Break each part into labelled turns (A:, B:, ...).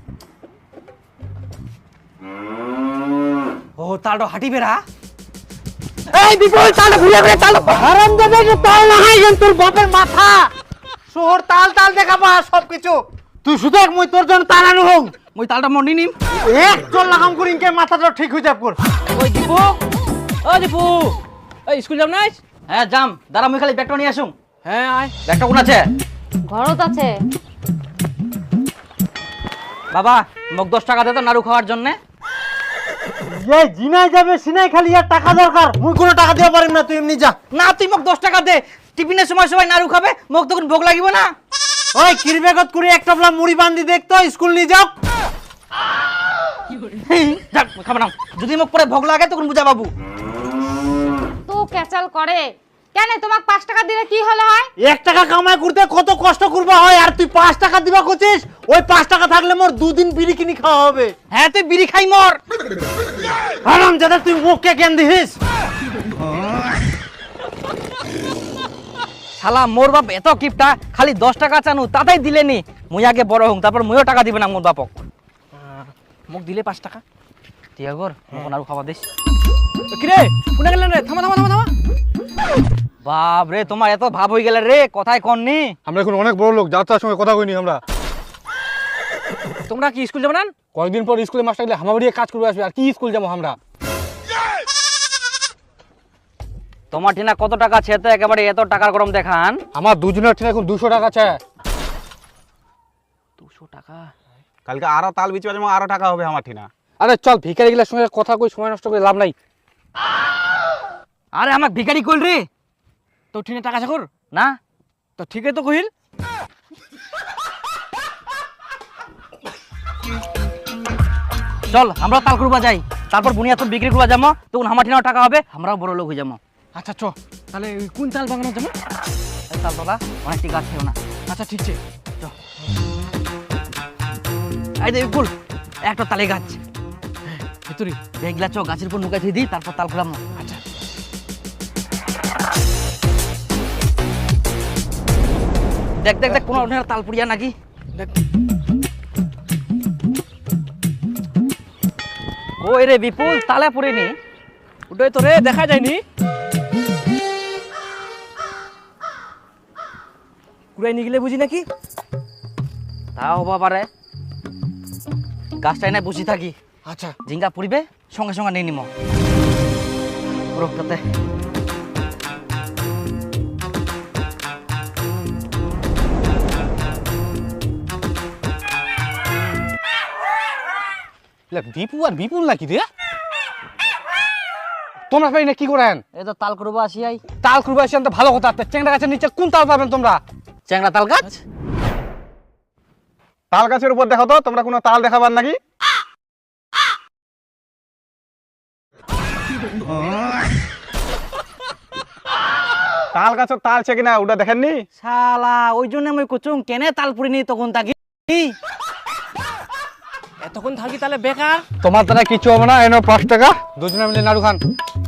A: ও তালটা হাঁটি বেড়া।
B: এই বিপুল তাল ঘুরে ঘুরে তাল হারাম দেবে যে তাল না হয় তোর বাপের মাথা শহর তাল তাল দেখাবা সবকিছু তুই শুধু এক মই তোর জন্য তাল আনু হোক
A: মই তালটা মন্ডি নিম।
B: এক চল লাগাম করি ইনকে মাথাটা ঠিক হয়ে যাব কর।
A: ওই দীপু, ও দীপু, এই স্কুল যাম নাই? হ্যাঁ যাম, দাঁড়া মই খালি ব্যাগটা নিয়ে আসুম। হ্যাঁ আয়। ব্যাগটা কোন আছে?
C: ঘরত আছে।
A: বাবা মোক 10 টাকা দে তো নাড়ু খাওয়ার জন্য।
B: এই জিনাই যাবে সিনাই খালি আর টাকা দরকার মুই কোনো টাকা দিতে পারিম না তুই এমনি যা।
A: না তুই মোক 10 টাকা দে, টিফিনের সময় সবাই নাড়ু খাবে, মোক তখন ভোগ লাগিব না।
B: ওই কিরবেগত করে একটা বলা মুড়ি বান্ধি দেখতো স্কুল নিয়ে যাও।
A: যাক খাবো না, যদি মোক পরে ভোগ লাগে তখন বুঝা বাবু।
C: তো ক্যাচাল করে কেন? তোমাকে 5 টাকা দিলে কি হলো হয়?
B: 1 টাকা কামাই করতে কত কষ্ট করবা হয় আর তুই 5 টাকা দিবা কইছিস? ওই 5 টাকা থাকলে মোর 2 দিন বিড়ি কিনি খাওয়া হবে।
A: হ্যাঁ তুই বিড়ি খাই মর।
B: হারাম জাদা তুই মুখকে কেন দিস?
A: শালা মোর বাপ এত কিপটা, খালি 10 টাকা চানু তাতেই দিলেনি। মুই আগে বড় হং, তারপর মুইও টাকা দিবে না মোর বাপক। মোক দিলে 5 টাকা টিয়াগর মোক নাড়ু খাওয়া দিস। কিরে কোনা গেলেন রে? থামা থামা থামা থামা। বাপ রে তোমার এত ভাব হয়ে গেল রে, কথাই কননি।
D: আমরা এখন অনেক বড় লোক, যার তার সঙ্গে কথা কইনি আমরা।
A: তোমরা কি স্কুল যাবে না?
D: কয়েকদিন পর স্কুলে মাস্টার গেলে হামাবাড়িয়ে কাজ করবে আসবে, আর কি স্কুল যাবো আমরা?
A: তোমার ঠিনা কত টাকা আছে তো একেবারে এত টাকার গরম দেখান?
D: আমার দুজনের ঠিক এখন 200 টাকা আছে।
A: 200 টাকা?
E: কালকে আরো তাল বিচি বাজে আরো টাকা হবে আমার ঠিনা।
D: আরে চল ভিখারি গেলার সঙ্গে কথা কই, সময় নষ্ট করে লাভ নাই।
A: আরে আমাক ভিখারি কইল রে।
D: তো ঠিনে টাকা আছে কর
A: না
D: তো ঠিকই তো কইল।
A: চল আমরা তাল করবা যাই, তারপর বুনিয়াদ বিক্রি করবা যাবো, তখন আমার ঠিনাও টাকা হবে, আমরাও বড় লোক হয়ে যাবো।
D: আচ্ছা চ তাহলে কোন তাল বাগানো যাবো?
A: এই তাল তোলা অনেকটি গাছ ছিল না।
D: আচ্ছা ঠিক আছে।
A: এই দেখ ফুল একটা তালে গাছ
D: ভিতরি
A: দেখলা চ গাছের উপর নুকাই দিই, তারপর তাল খোলাম।
D: আচ্ছা
A: দেখ দেখ দেখ কোনো তাল পুড়িয়া নাকি
D: দেখ।
A: ওই রে বিপুল তালে পুড়িনি।
D: ওটাই তো রে দেখা যায়নি। কুড়াই নিয়ে গেলে বুঝি নাকি?
A: তাও হবা পারে, গাছটাই নাই বসে থাকি,
D: আচ্ছা
A: ঝিঙ্গা পুড়িবে সঙ্গে সঙ্গে নিয়ে নিম রোগটাতে।
D: বিপু আর বিপুল নাকি রে? তোমরা পাই না কি করেন?
A: এই তো তাল করবো আসি আই।
D: তাল করবে আসেন তো ভালো কথা। চেংড়া গাছের নিচে কোন তাল পাবেন তোমরা?
A: চ্যাংড়া তাল গাছ?
E: তাল গাছের উপর দেখো তো, তোমরা কোনো তাল দেখাবার নাকি? তাল গাছের তাল আছে কিনা ওটা দেখেননি?
A: শালা ওই জন্য আমি কুচুং কেনে তাল পুড়িনি তখন তাকি।
D: এতক্ষণ থাকি তাহলে বেকার। তোমার দ্বারা কিছু হবে না, এনো 5 টাকা দুজনে মিলে নাড়ু খান।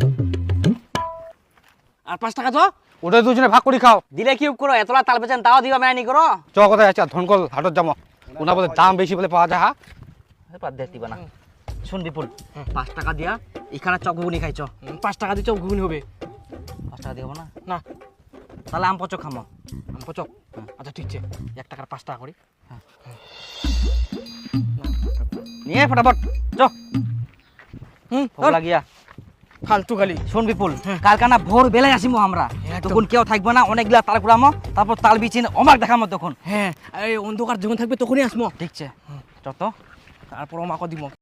A: আর 5 টাকা তো
D: ওটা দুজনে ভাগ করে খাও।
A: দিলে কি করো, এতলা তাল বেচেন তাও দিবা মেয়ানি করো।
D: চ কোথায় আছে ধনকল হাটত যাবো, ওনা বলে দাম বেশি বলে পাওয়া যায়।
A: বাদ দে দিবা না। শুন বিপুল 5 টাকা দিয়া এখানে চক ঘুগনি খাইছ।
D: 5 টাকা দিতে ঘুগনি হবে
A: 5 টাকা দিব না?
D: না?
A: তাহলে আম পচক খামো।
D: পচক আচ্ছা ঠিক আছে 1 টাকার 5 টাকা করি।
A: নিয়ে ফটাফট চ। ভোগ লাগিয়া
D: ফালতু খালি।
A: শোন বিপুল কালকানা ভোর বেলায় আসিমো আমরা, তখন কেউ থাকবে না, অনেকগুলা তাল কুড়ামো, তারপর তাল বিচিন অমাক দেখামো তখন।
D: হ্যাঁ এই অন্ধকার যখন থাকবে তখনই আসবো।
A: ঠিক আছে চ তো।
D: তারপর মাকে দিব।